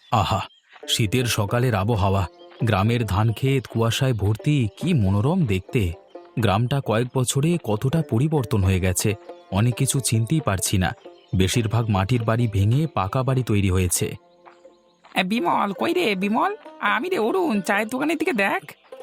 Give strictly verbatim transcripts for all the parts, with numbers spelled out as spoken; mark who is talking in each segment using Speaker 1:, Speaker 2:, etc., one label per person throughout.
Speaker 1: আহা! শীতের সকালের আবহাওয়া, গ্রামের ধানক্ষেত কুয়াশায় ভর্তি, কি মনোরম দেখতে। গ্রামটা কয়েক বছরে কতটা পরিবর্তন হয়ে গেছে, অনেক কিছু চিনতেই পারছি না। বেশিরভাগ মাটির বাড়ি ভেঙে পাকা বাড়ি তৈরি হয়েছে।
Speaker 2: এ, বিমল কই রে বিমল? আমি রে অরুণ, চায়ের দোকানের দিকে দেখ।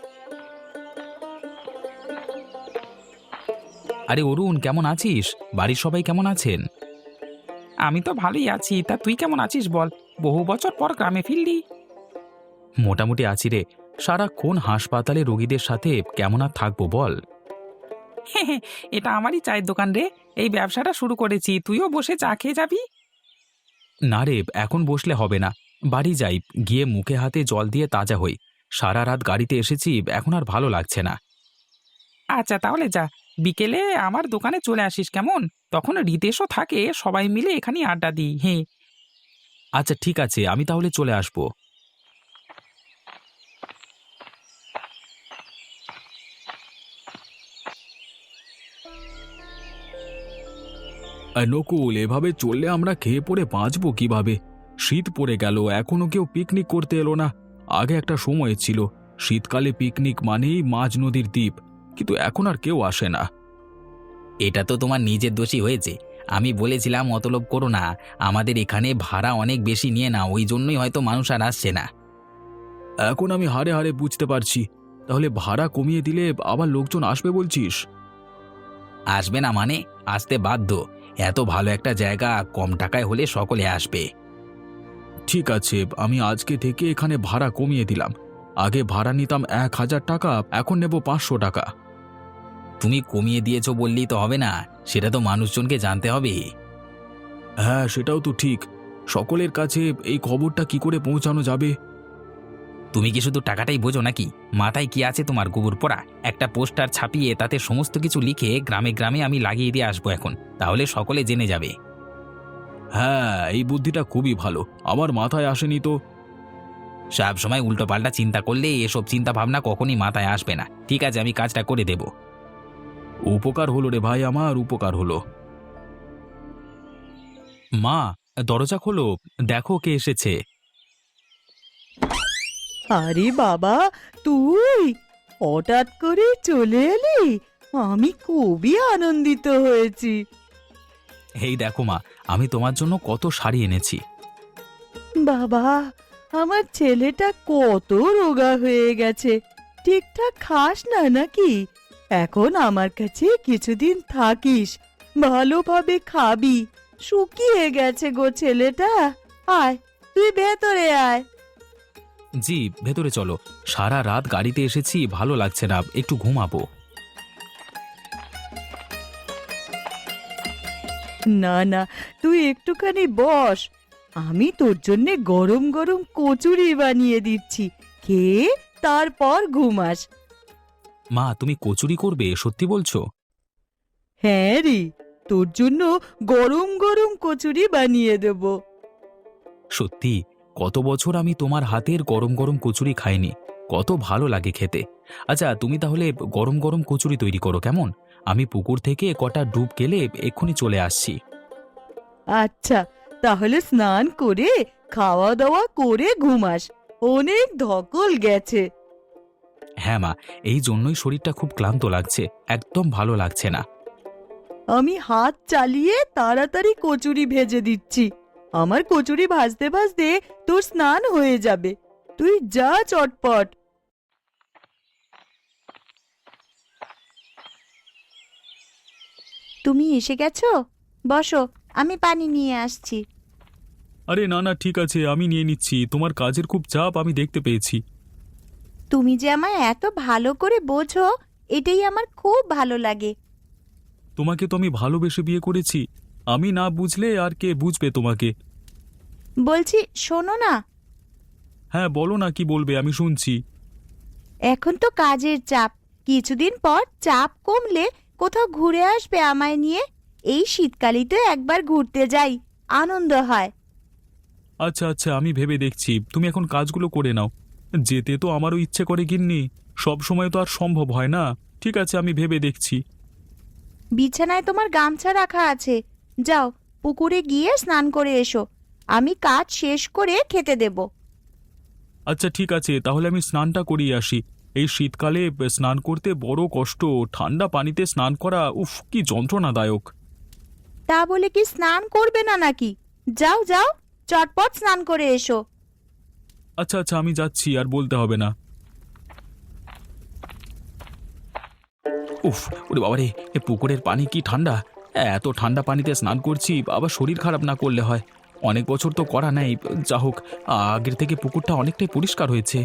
Speaker 1: আরে অরুণ, কেমন আছিস? বাড়ির সবাই কেমন আছেন?
Speaker 2: আমি তো ভালোই আছি, তা তুই কেমন আছিস বল? বহু বছর পর গ্রামে ফিরলি।
Speaker 1: মোটামুটি আছি রে। সারাক্ষণ হাসপাতালে রোগীদের সাথে কেমন আর থাকবো বল।
Speaker 2: এটা আমারই চায়ের দোকান রে। এই ব্যবসাটা শুরু করেছি, তুইও বসে চা খেয়ে যাবি।
Speaker 1: না রে, এখন বসলে হবে না। বাড়ি যাই, গিয়ে মুখে হাতে জল দিয়ে তাজা হই। সারা রাত গাড়িতে এসেছি, এখন আর ভালো লাগছে না।
Speaker 2: আচ্ছা তাহলে যা, বিকেলে আমার দোকানে চলে আসিস কেমন? তখন রিতেশও থাকে, সবাই মিলে এখানে আড্ডা দিই। হ্যাঁ।
Speaker 1: আচ্ছা ঠিক আছে, আমি তাহলে চলে আসবো। নকুল, এভাবে চললে আমরা খেয়ে পড়ে বাঁচবো কিভাবে? শীত পড়ে গেল, এখনো কেউ পিকনিক করতে এলো না। আগে একটা সময় ছিল, শীতকালে পিকনিক মানেই মাঝ নদীর দ্বীপ, কিন্তু এখন আর কেউ আসে না।
Speaker 3: এটা তো তোমার নিজের দোষী হয়েছে। আমি বলেছিলাম অতলোভ করো না, আমাদের এখানে ভাড়া অনেক বেশি নিয়ে না, ওই জন্যই হয়তো মানুষ আর আসছে না।
Speaker 1: এখন আমি হারে হারে বুঝতে পারছি। তাহলে ভাড়া কমিয়ে দিলে আবার লোকজন আসবে বলছিস?
Speaker 3: আসবে না মানে? আসতে বাধ্য। এত ভালো একটা জায়গা, কম টাকায় হলে সকলে আসবে।
Speaker 1: ঠিক আছে, আমি আজকে থেকে এখানে ভাড়া কমিয়ে দিলাম। আগে ভাড়া নিতাম এক হাজার টাকা, এখন নেব পাঁচশো টাকা।
Speaker 3: তুমি কমিয়ে দিয়েছো বললেই তো হবে না, সেটা তো মানুষজনকে জানতে হবে।
Speaker 1: হ্যাঁ, সেটাও তো ঠিক। সকলের কাছে এই খবরটা কি করে পৌঁছানো যাবে?
Speaker 3: তুমি কি শুধু টাকাটাই বোঝো নাকি? মাথায় কি আছে তোমার গোবর পোড়া? একটা পোস্টার ছাপিয়ে তাতে সমস্ত কিছু লিখে গ্রামে গ্রামে আমি লাগিয়ে দিয়ে আসবো এখন, তাহলে সকলে জেনে যাবে।
Speaker 1: হ্যাঁ, এই বুদ্ধিটা খুবই ভালো, আমার মাথায় আসেনি তো।
Speaker 3: সব সময় উল্টো পাল্টা চিন্তা করলে এসব চিন্তা ভাবনা কখনই মাথায় আসবে না। ঠিক আছে, আমি কাজটা করে দেব।
Speaker 1: উপকার হলো রে ভাই, আমার উপকার হলো। মা, দরজা খোলো, দেখো কে এসেছে।
Speaker 4: আরে বাবা, তুই হঠাৎ করে চলে এলি, আমি খুবই আনন্দিত হয়েছি।
Speaker 1: এই দেখো মা, আমি তোমার জন্য কত শাড়ি এনেছি।
Speaker 4: বাবা, আমার ছেলেটা কত রোগা হয়ে গেছে, ঠিকঠাক খাস না নাকি? এখন আমার কাছে কিছুদিন থাকিস, ভালোভাবে খাবি। শুকিয়ে গেছে গো ছেলেটা। আয়, তুই ভেতরে আয়।
Speaker 1: জি, ভেতরে চলো। সারা রাত গাড়িতে এসেছি, ভালো লাগছে না, একটু ঘুমাবো।
Speaker 4: না না, তুই একটুখানি বস, আমি তোর জন্য গরম গরম কচুরি বানিয়ে দিচ্ছি, খেয়ে তারপর ঘুমাস।
Speaker 1: মা, তুমি কচুরি করবে, সত্যি বলছো?
Speaker 4: হ্যাঁ রে, তোর জন্য গরম গরম কচুরি বানিয়ে দেব।
Speaker 1: সত্যি? কত বছর আমি তোমার হাতের গরম গরম কচুরি খাইনি, কত ভালো লাগে খেতে। আচ্ছা, তুমি তাহলে গরম গরম কচুরি তৈরি করো কেমন? আমি পুকুর থেকে কটা ডুব গেলে এক্ষুনি চলে আসছি।
Speaker 4: আচ্ছা, তাহলে স্নান করে খাওয়া দাওয়া করে ঘুমাস, অনেক ধকল গেছে।
Speaker 1: হ্যাঁ মা, এই জন্যই শরীরটা খুব ক্লান্ত লাগছে, একদম ভালো লাগছে না।
Speaker 4: আমি হাত চালিয়ে তাড়াতাড়ি কচুরি ভেজে দিচ্ছি, আমার কচুরি ভাজতে ভাজতে তোর স্নান হয়ে যাবে। তুই যা চটপট।
Speaker 5: তুমি এসে গেছো? বসো, আমি পানি নিয়ে আসছি।
Speaker 1: আরে না না, ঠিক আছে, আমি নিয়ে নিচ্ছি। তোমার কাজের খুব চাপ আমি দেখতে পেয়েছি।
Speaker 5: তুমি যে আমায় এত ভালো করে বোঝো, এটাই আমার খুব ভালো লাগে।
Speaker 1: তোমাকে তো আমি ভালোবেসে বিয়ে করেছি, আমি না বুঝলে আর কে বুঝবে তোমাকে?
Speaker 5: বলছি শোনো না,
Speaker 1: হ্যাঁ বলো না, কি বলবে, আমি শুনছি।
Speaker 5: এখন তো কাজের চাপ, কিছুদিন পর চাপ কমলে কোথাও ঘুরে আসবে আমায় নিয়ে। এই শীতকালেই তো একবার ঘুরতে যাই, আনন্দ হয়।
Speaker 1: আচ্ছা আচ্ছা, আমি ভেবে দেখছি, তুমি এখন কাজগুলো করে নাও। যেতে তো আমারও ইচ্ছে করে গিন্নি, সব সময় তো আর সম্ভব হয় না। ঠিক আছে, আমি ভেবে দেখছি।
Speaker 5: বিছানায় তোমার গামছা রাখা আছে, যাও পুকুরে গিয়ে স্নান করে এসো। আমি কাজ শেষ করে খেতে দেব।
Speaker 1: আচ্ছা ঠিক আছে, তাহলে আমি স্নানটা করিয়ে আসি। এই শীতকালে স্নান করতে বড় কষ্ট, ঠান্ডা পানিতে স্নান করা উফ কি যন্ত্রণাদায়ক।
Speaker 5: তা বলে কি স্নান করবে না নাকি? যাও যাও, চটপট স্নান করে এসো।
Speaker 1: আচ্ছা আচ্ছা আমি যাচ্ছি, আর বলতে হবে না। উফ, ওরে বাবারে, এ পুকুরের পানি কি ঠান্ডা! এত ঠান্ডা পানিতে স্নান করছি, আবার শরীর খারাপ না করলে হয়। অনেক বছর তো করা নেই, যা হোক আগের থেকে পুকুরটা অনেকটাই পরিষ্কার হয়েছে।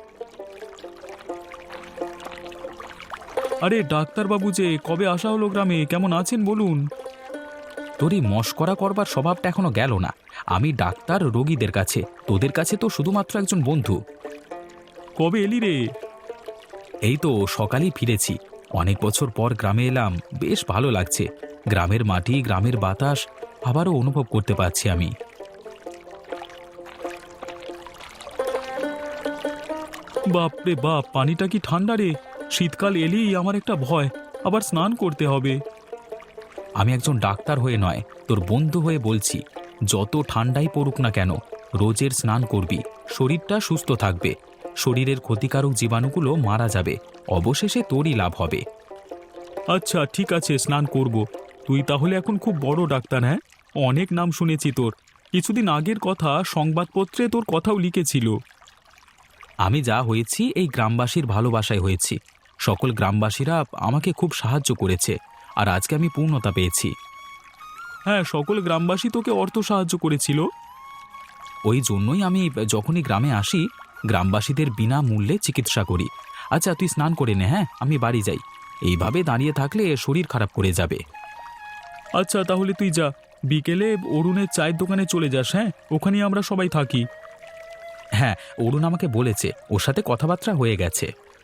Speaker 1: আরে ডাক্তারবাবু যে, কবে আসা হলো গ্রামে? কেমন আছেন বলুন? তোর এই মশকরা করবার স্বভাবটা এখনো গেল না। আমি ডাক্তার রোগীদের কাছে, তোদের কাছে তো শুধুমাত্র একজন বন্ধু। কবে এলি রে? এই তো সকালেই ফিরেছি। অনেক বছর পর গ্রামে এলাম, বেশ ভালো লাগছে। গ্রামের মাটি, গ্রামের বাতাস আবারও অনুভব করতে পারছি আমি। বাপরে বাপ, পানিটা কি ঠান্ডা রে! শীতকাল এলেই আমার একটা ভয়, আবার স্নান করতে হবে। আমি একজন ডাক্তার হয়ে নয়, তোর বন্ধু হয়ে বলছি, যত ঠান্ডাই পড়ুক না কেন, রোজের স্নান করবি, শরীরটা সুস্থ থাকবে, শরীরের ক্ষতিকারক জীবাণুগুলো মারা যাবে, অবশেষে তোরই লাভ হবে। আচ্ছা ঠিক আছে, স্নান করব। তুই তাহলে এখন খুব বড় ডাক্তার, হ্যাঁ? অনেক নাম শুনেছি তোর। কিছুদিন আগের কথা সংবাদপত্রে তোর কথাও লিখেছিল। আমি যা হয়েছি এই গ্রামবাসীর ভালোবাসায় হয়েছি। সকল গ্রামবাসীরা আমাকে খুব সাহায্য করেছে, আর আজকে আমি পূর্ণতা পেয়েছি। হ্যাঁ, সকল গ্রামবাসী তোকে অর্থ সাহায্য করেছিল। ওই জন্যই আমি যখনই গ্রামে আসি, গ্রামবাসীদের বিনামূল্যে চিকিৎসা করি। আচ্ছা তুই স্নান করে নে, হ্যাঁ, আমি বাড়ি যাই। এইভাবে দাঁড়িয়ে থাকলে শরীর খারাপ করে যাবে। আচ্ছা তাহলে তুই যা, বিকেলে অরুণের চায়ের দোকানে চলে যাস, হ্যাঁ, ওখানেই আমরা সবাই থাকি। হ্যাঁ, অরুণ আমাকে বলেছে, ওর সাথে কথাবার্তা হয়ে গেছে।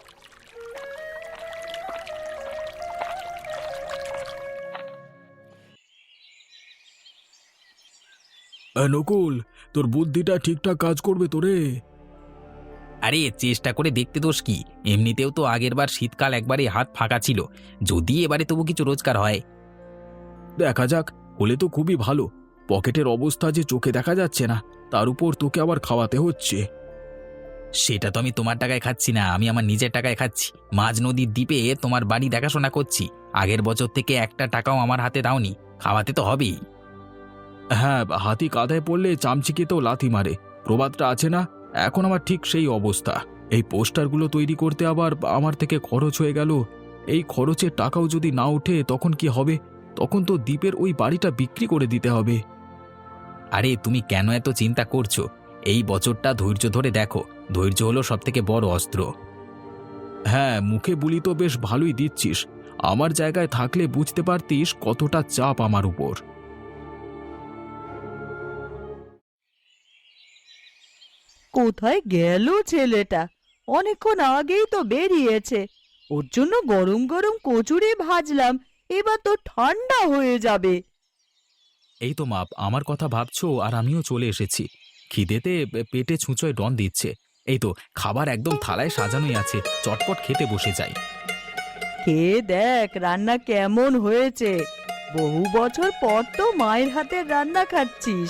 Speaker 1: নকুল, তোর বুদ্ধিটা ঠিকঠাক কাজ করবে তো রে?
Speaker 3: আরে চেষ্টা করে দেখতে দোষ কি? এমনিতেও তো আগেরবার শীতকাল একবারে হাত ফাঁকা ছিল, যদি এবারে তবু কিছু রোজগার হয়।
Speaker 1: দেখা যাক, হলে তো খুবই ভালো। পকেটের অবস্থা যে চোখে দেখা যাচ্ছে না, তার উপর তোকে আবার খাওয়াতে হচ্ছে।
Speaker 3: সেটা তো আমি তোমার টাকায় খাচ্ছি না, আমি আমার নিজের টাকায় খাচ্ছি। মাঝ নদীর দ্বীপে তোমার বাড়ি দেখাশোনা করছি, আগের বছর থেকে একটা টাকাও আমার হাতে দাওনি, খাওয়াতে তো হবেই।
Speaker 1: হ্যাঁ, হাতি কাঁধায় পড়লে চামচিকেতেও লাথি মারে, প্রবাদটা আছে না? এখন আমার ঠিক সেই অবস্থা। এই পোস্টারগুলো তৈরি করতে আবার আমার থেকে খরচ হয়ে গেল। এই খরচের টাকাও যদি না ওঠে তখন কি হবে? তখন তো দ্বীপের ওই বাড়িটা বিক্রি করে দিতে হবে।
Speaker 3: আরে তুমি কেন এত চিন্তা করছো? এই বছরটা ধৈর্য ধরে দেখো, ধৈর্য হলো সব থেকে বড় অস্ত্র।
Speaker 1: হ্যাঁ, মুখে বুলি তো বেশ ভালোই দিচ্ছিস। আমার জায়গায় থাকলে বুঝতে পারতিস কতটা চাপ আমার উপর।
Speaker 4: কোথায় গেল ছেলেটা? অনেকক্ষণ আগেই তো বেরিয়েছে। ওর জন্য গরম গরম কচুরি ভাজলাম, এবার তো ঠান্ডা হয়ে যাবে।
Speaker 1: এই তো মা, আমার কথা ভাবছো আর আমিও চলে এসেছি। খিদেতে পেটে ছুঁচোয় ডন দিচ্ছে। এই তো খাবার একদম থালায় সাজানোই আছে, চটপট খেতে বসে যাই।
Speaker 4: খেয়ে দেখ রান্না কেমন হয়েছে। বহু বছর পর তো মায়ের হাতের রান্না খাচ্ছিস।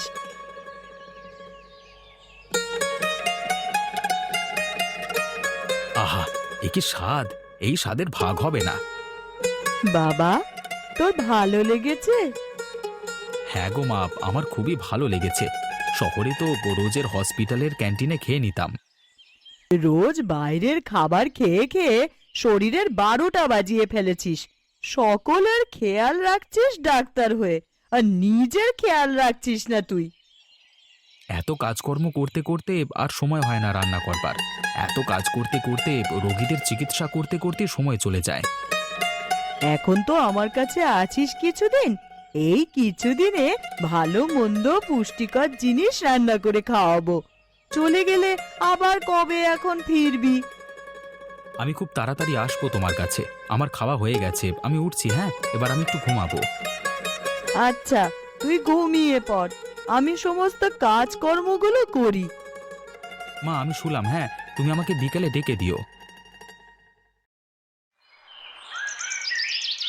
Speaker 1: আহা, এ কি স্বাদ! এই স্বাদের ভাগ হবে না।
Speaker 4: বাবা, তোর ভালো লেগেছে?
Speaker 1: হ্যাঁ গো মা, আমার খুবই ভালো লেগেছে। শহরে তো রোজের হসপিটালের ক্যান্টিনে খেয়ে নিতাম।
Speaker 4: রোজ বাইরের খাবার খেয়ে খেয়ে শরীরের বারোটা বাজিয়ে ফেলেছিস। সকলের খেয়াল রাখছিস ডাক্তার হয়ে, আর নিজের খেয়াল রাখছিস না তুই।
Speaker 1: এত কাজকর্ম করতে করতে আর সময় হয় না রান্না করবার। এত কাজ করতে করতে, রোগীদের চিকিৎসা করতে করতে সময় চলে যায়।
Speaker 4: এখন তো আমার কাছে আছিস কিছুদিন, এই কিছুদিনে ভালো মন্দ পুষ্টিকর জিনিস রান্না করে খাওয়াবো। চলে গেলে আবার কবে এখন ফিরবি?
Speaker 1: আমি খুব তাড়াতাড়ি আসবো তোমার কাছে। আমার খাওয়া হয়ে গেছে, আমি উঠছি। হ্যাঁ, এবার আমি একটু ঘুমাবো।
Speaker 4: আচ্ছা, তুই ঘুমিয়ে পড়, আমি সমস্ত কাজকর্মগুলো করি।
Speaker 1: মা আমি শুলাম, হ্যাঁ, তুমি আমাকে বিকেলে ডেকে দিও।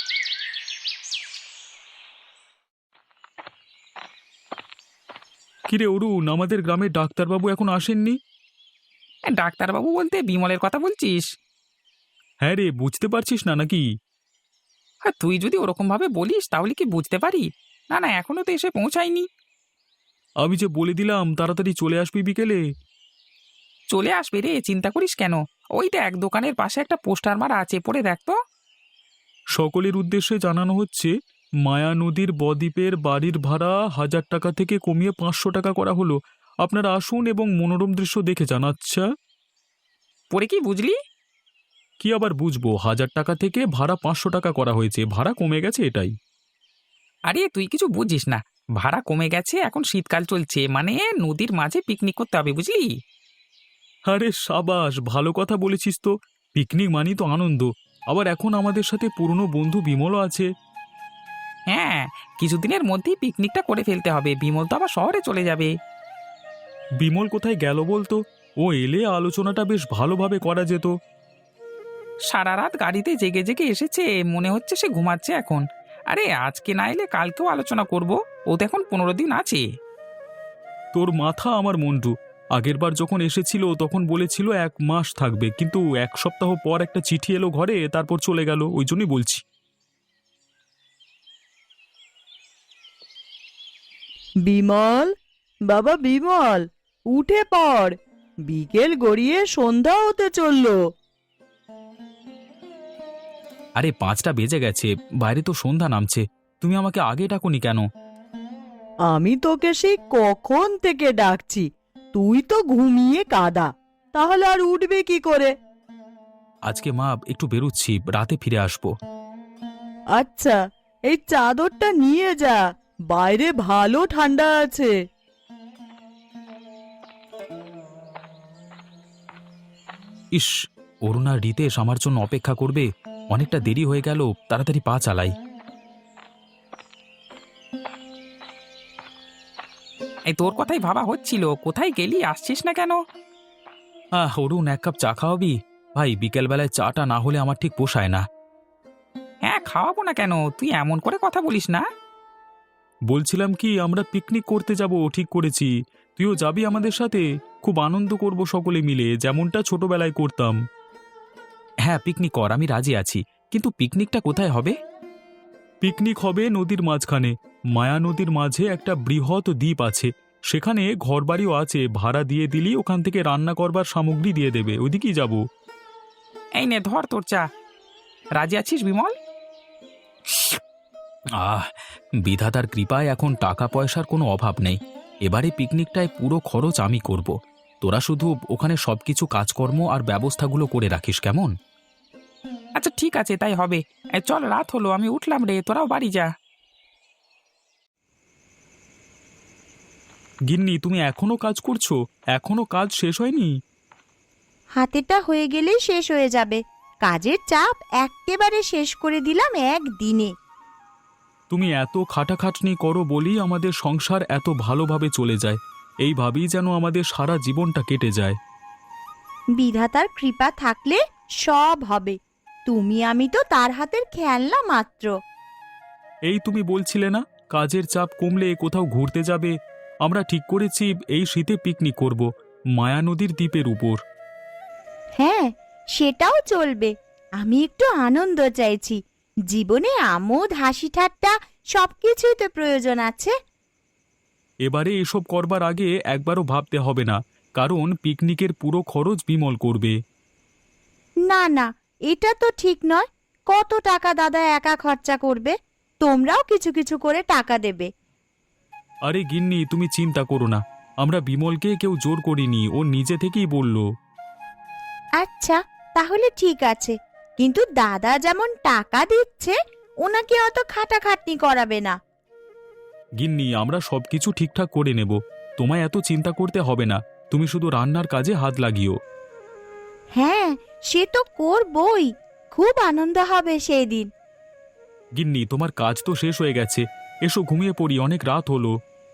Speaker 1: কি কিরে অরুণ, আমাদের গ্রামের ডাক্তারবাবু এখন আসেননি?
Speaker 2: এ, ডাক্তারবাবু বলতে বিমলের কথা বলছিস?
Speaker 1: হ্যাঁ রে, বুঝতে পারছিস না নাকি?
Speaker 2: হ্যাঁ, তুই যদি ওরকম ভাবে বলিস তাহলে কি বুঝতে পারি। না না, এখনো তো এসে পৌঁছায়নি।
Speaker 1: আমি যে বলে দিলাম তাড়াতাড়ি চলে আসবি বিকেলে।
Speaker 2: চলে আসবে রে, চিন্তা করিস কেন। ওইটা এক দোকানের পাশে একটা পোস্টার মারা আছে, পড়ে দেখ তো।
Speaker 1: সকলের উদ্দেশ্যে জানানো হচ্ছে, মায়া নদীর বদ্বীপের বাড়ির ভাড়া হাজার টাকা থেকে কমিয়ে পাঁচশো টাকা করা হলো। আপনারা আসুন এবং মনোরম দৃশ্য দেখে যান। আচ্ছা,
Speaker 2: পড়ে কি বুঝলি?
Speaker 1: কি আবার বুঝবো, হাজার টাকা থেকে ভাড়া পাঁচশো টাকা করা হয়েছে, ভাড়া কমে গেছে এটাই।
Speaker 2: আরে তুই কিছু বুঝিস না, ভাড়া কমে গেছে, এখন শীতকাল চলছে, মানে নদীর মাঝে পিকনিক করতে হবে, বুঝলি?
Speaker 1: আরে সাবাস, ভালো কথা বলেছিস তো। পিকনিক মানি তো আনন্দ। আবার এখন আমাদের সাথে পুরনো বন্ধু বিমলও আছে।
Speaker 2: হ্যাঁ, কিছুদিনের মধ্যেই পিকনিকটা করে ফেলতে হবে, বিমল তো আবার শহরে চলে যাবে।
Speaker 1: বিমল কোথায় গেল বলতো? ও এলে আলোচনাটা বেশ ভালোভাবে করা যেত।
Speaker 2: সারা রাত গাড়িতে জেগে জেগে এসেছে, মনে হচ্ছে সে ঘুমাচ্ছে এখন। আরে আজকে না এলে কালকেও আলোচনা করব, ও তো এখন পনেরো দিন আছে।
Speaker 1: তোর মাথা আমার মন্টু। আগেরবার যখন এসেছিল তখন বলেছিল এক মাস থাকবে, কিন্তু এক সপ্তাহ পর একটা চিঠি এলো ঘরে, তারপর চলে গেল, ওই জন্যই বলছি।
Speaker 4: বিমল, বাবা বিমল, উঠে পড়। বিকেল গড়িয়ে সন্ধ্যা হতে চললো।
Speaker 1: আরে পাঁচটা বেজে গেছে, বাইরে তো সন্ধ্যা নামছে। তুমি আমাকে আগে ডাকোনি কেন?
Speaker 4: আমি তোকে সেই কখন থেকে ডাকছি, তুই তো ঘুমিয়ে কাদা। তাহলে আর উঠবে কি করে?
Speaker 1: আজকে মা একটু বেরোচ্ছি, রাতে ফিরে আসবো।
Speaker 4: আচ্ছা, এই চাদরটা নিয়ে যা, বাইরে ভালো ঠান্ডা আছে।
Speaker 1: ইস, অরুণ আর রিতেশ আমার জন্য অপেক্ষা করবে। অনেকটা দেরি হয়ে গেল, তাড়াতাড়ি পা চালাই।
Speaker 2: এই তোর কথাই ভাবা হচ্ছিল, কোথায় গেলি, আসছিস না কেন?
Speaker 1: আহ অরুণ, এক কাপ চা খাওয়াবি? ভাই, বিকেলবেলায় চাটা না হলে আমার ঠিক পোষায় না।
Speaker 2: হ্যাঁ, খাওয়াবো না কেন, তুই এমন করে কথা বলিস না।
Speaker 1: বলছিলাম কি, আমরা পিকনিক করতে যাব, ঠিক করেছি। তুইও যাবি আমাদের সাথে? খুব আনন্দ করব সকলে মিলে, যেমনটা ছোটবেলায় করতাম। হ্যাঁ, পিকনিক কর, আমি রাজি আছি। কিন্তু পিকনিকটা কোথায় হবে? পিকনিক হবে নদীর মাঝখানে। মায়া নদীর মাঝে একটা বৃহৎ দ্বীপ আছে, সেখানে ঘরবাড়িও আছে। ভাড়া দিয়ে দিলি ওখান থেকে রান্না করবার সামগ্রী দিয়ে দেবে, ওইদিকেই যাব।
Speaker 2: এই নে ধর তোর চা। রাজি আছিস বিমল?
Speaker 1: আহ, বিধাতার কৃপায় এখন টাকা পয়সার কোনো অভাব নেই। এবারে পিকনিকটায় পুরো খরচ আমি করব। তোরা শুধু ওখানে সবকিছু কাজকর্ম আর ব্যবস্থাগুলো করে রাখিস, কেমন?
Speaker 2: আচ্ছা ঠিক আছে, তাই হবে। এই চল, রাত হলো, আমি উঠলাম রে, তোরাও বাড়ি যা।
Speaker 1: গিন্নি, তুমি এখনো কাজ করছো? এখনো কাজ শেষ হয়নি?
Speaker 5: হাতেটা হয়ে গেলেই শেষ হয়ে যাবে। কাজের চাপ একেবারে শেষ করে দিলাম একদিনে।
Speaker 1: তুমি এত খাটাখাটনি করো বলেই আমাদের সংসার এত ভালোভাবে চলে যায়। এইভাবেই যেন আমাদের সারা জীবনটা কেটে যায়।
Speaker 5: বিধাতার কৃপা থাকলে সব হবে। তুমি আমি তো তার হাতের খেলনা মাত্র।
Speaker 1: এই তুমি বলছিলে না কাজের চাপ কমলে কোথাও ঘুরতে যাবে? আমরা ঠিক করেছি এই শীতে পিকনিক করব, মায়া নদীর দ্বীপের উপর।
Speaker 5: হ্যাঁ, সেটাও চলবে। আমি একটু আনন্দ চাইছি। জীবনে আমোদ হাসি ঠাট্টা সবকিছুই তো প্রয়োজন আছে।
Speaker 1: এবারে এসব করবার আগে একবারও ভাবতে হবে না, কারণ পিকনিকের পুরো খরচ বিমল করবে।
Speaker 5: না না, এটা তো ঠিক নয়। কত টাকা দাদা একা খরচা করবে? তোমরাও কিছু কিছু করে টাকা দেবে।
Speaker 1: আরে গিন্নি, তুমি চিন্তা করো না, আমরা বিমলকে কেউ জোর করিনি, ও নিজে থেকেই বলল।
Speaker 5: আচ্ছা, তাহলে ঠিক আছে। কিন্তু দাদা যেমন টাকা দিচ্ছে, ওনাকে অত খাটাখাটনি করাবে না।
Speaker 1: গিন্নি, আমরা সবকিছু ঠিকঠাক করে নেব, তোমায় এত চিন্তা করতে হবে না। তুমি শুধু রান্নার কাজে হাত লাগিও।
Speaker 5: হ্যাঁ, সে তো করবই। খুব আনন্দ হবে সেই দিন।
Speaker 1: গিন্নি, তোমার কাজ তো শেষ হয়ে গেছে, এসো ঘুমিয়ে পড়ি, অনেক রাত হলো।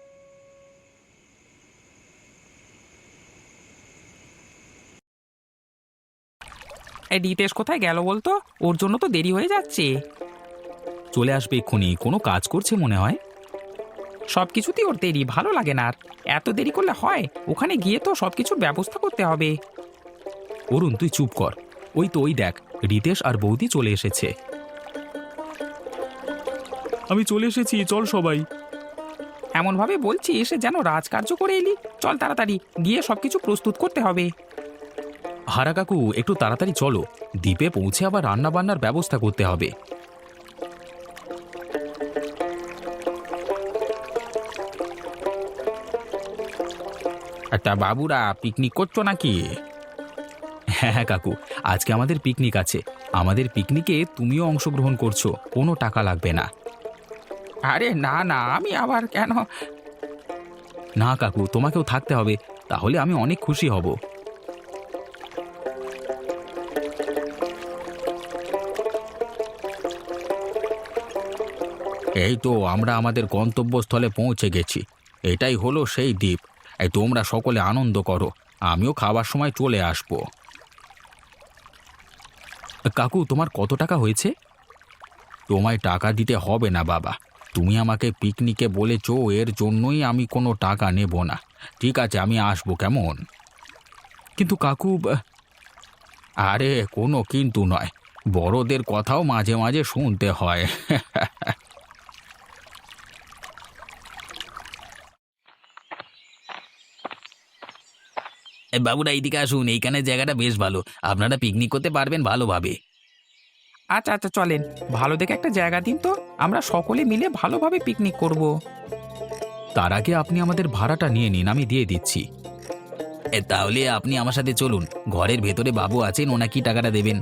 Speaker 2: এই রিতেশ কোথায় গেল বলতো? ওর জন্য তো দেরি হয়ে যাচ্ছে।
Speaker 1: চলে আসবে এক্ষুনি, কোনো কাজ করছে মনে হয়।
Speaker 2: সব কিছুতেই ওর দেরি, ভালো লাগে না আর। এত দেরি করলে হয়? ওখানে গিয়ে তো সব কিছুর ব্যবস্থা করতে হবে।
Speaker 1: অরুণ তুই চুপ কর। ওই তো ওই দেখ, রিতেশ আর বৌদি চলে এসেছে। আমি চলে এসেছি, চল সবাই।
Speaker 2: এমনভাবে বলছিস যেন রাজকার্য করে এলি। চল তাড়াতাড়ি গিয়ে সব কিছু প্রস্তুত করতে হবে।
Speaker 1: হারা কাকু একটু তাড়াতাড়ি চলো, দ্বীপে পৌঁছে আবার রান্না বান্নার ব্যবস্থা করতে হবে।
Speaker 3: তা বাবুরা পিকনিক করছো নাকি?
Speaker 1: হ্যাঁ হ্যাঁ কাকু, আজকে আমাদের পিকনিক আছে। আমাদের পিকনিকে তুমিও অংশগ্রহণ করছো, কোনো টাকা লাগবে না।
Speaker 2: আরে না না, আমি আবার কেন?
Speaker 1: না কাকু, তোমাকেও থাকতে হবে, তাহলে আমি অনেক খুশি হব।
Speaker 3: এই তো আমরা আমাদের গন্তব্যস্থলে পৌঁছে গেছি। এটাই হলো সেই দ্বীপ। এই তোমরা সকলে আনন্দ করো, আমিও খাবার সময় চলে আসবো।
Speaker 1: কাকু তোমার কত টাকা হয়েছে?
Speaker 3: তোমায় টাকা দিতে হবে না বাবা, তুমি আমাকে পিকনিকে বলেছো, এর জন্যই আমি কোনো টাকা নেব না। ঠিক আছে, আমি আসবো কেমন?
Speaker 1: কিন্তু কাকু আহ,
Speaker 3: আরে কোনো কিন্তু নয়, বড়দের কথাও মাঝে মাঝে শুনতে হয়। বাবুরা এইদিকে আসুন, এইখানে জায়গাটা বেশ ভালো, আপনারা পিকনিক করতে পারবেন ভালোভাবে।
Speaker 2: আচ্ছা আচ্ছা চলেন, ভালো দেখে একটা জায়গা দিন তো, আমরা সকলে মিলে ভালোভাবে পিকনিক করব।
Speaker 1: তার আগে আপনি আমাদের ভাড়াটা নিয়ে নিন, আমি দিয়ে দিচ্ছি।
Speaker 3: এ, তাহলে আপনি আমার সাথে চলুন, ঘরের ভেতরে বাবু আছেন, ওনাকে টাকাটা দেবেন।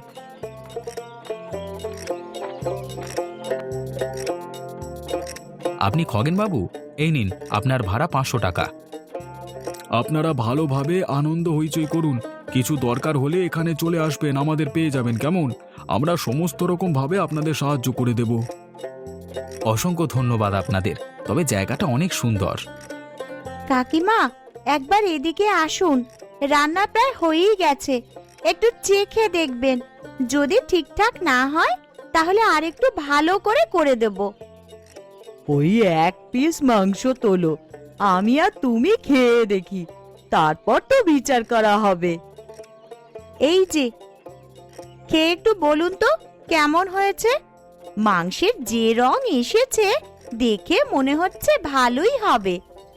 Speaker 1: আপনি খগেন বাবু, এই নিন আপনার ভাড়া পাঁচশো টাকা। আপনারা ভালোভাবে আনন্দ হইচই করুন, কিছু দরকার হলে এখানে চলে আসবেন, আমাদের পেয়ে যাবেন কেমন? আমরা সমস্ত রকম ভাবে আপনাদের সাহায্য করে দেব। অসংখ্য ধন্যবাদ আপনাদের, তবে জায়গাটা অনেক সুন্দর।
Speaker 5: কাকিমা, একবার এদিকে আসুন, রান্না প্রায় হয়েই গেছে। একটু চেখে দেখবেন, যদি ঠিকঠাক না হয় তাহলে আরেকটু ভালো করে করে দেব।
Speaker 4: ওই এক পিস মাংস তোলো, আমি আর তুমি খেয়ে দেখি, তারপর তো বিচার করা হবে।
Speaker 5: এই যে, খেয়ে একটু বলুন তো কেমন হয়েছে। মাংসের যে রং এসেছে দেখে মনে হচ্ছে ভালোই হবে।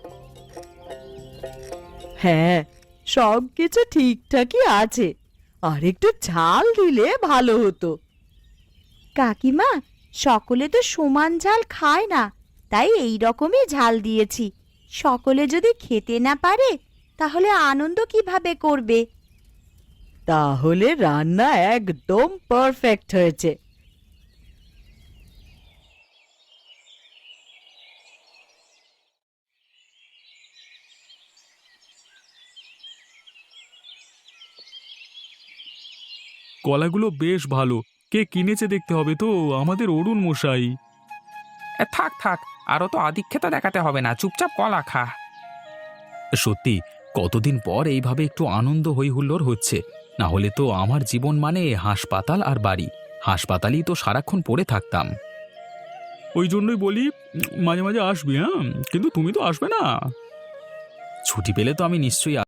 Speaker 4: হ্যাঁ, সব কিছু ঠিকঠাকই আছে, আর একটু ঝাল দিলে ভালো হতো।
Speaker 5: কাকিমা, সকলে তো সমান ঝাল খায় না, তাই এই রকমই ঝাল দিয়েছি। সকলে যদি খেতে না পারে তাহলে আনন্দ কিভাবে করবে?
Speaker 4: তাহলে রান্না একদম পারফেক্ট হয়েছে।
Speaker 1: কলাগুলো বেশ ভালো, কে কিনেছে দেখতে হবে তো, আমাদের অরুণ মশাই।
Speaker 2: এ, থাক থাক, আরও তো আধিক্যতা দেখাতে হবে না, চুপচাপ কলা খা।
Speaker 1: সত্যি কতদিন পর এইভাবে একটু আনন্দ হই হুল্লোড় হচ্ছে, না হলে তো আমার জীবন মানে হাসপাতাল আর বাড়ি, হাসপাতালেই তো সারাক্ষণ পড়ে থাকতাম। ওই জন্যই বলি মাঝে মাঝে আসবি, হ্যাঁ, কিন্তু তুমি তো আসবে না। ছুটি পেলে তো আমি নিশ্চয়ই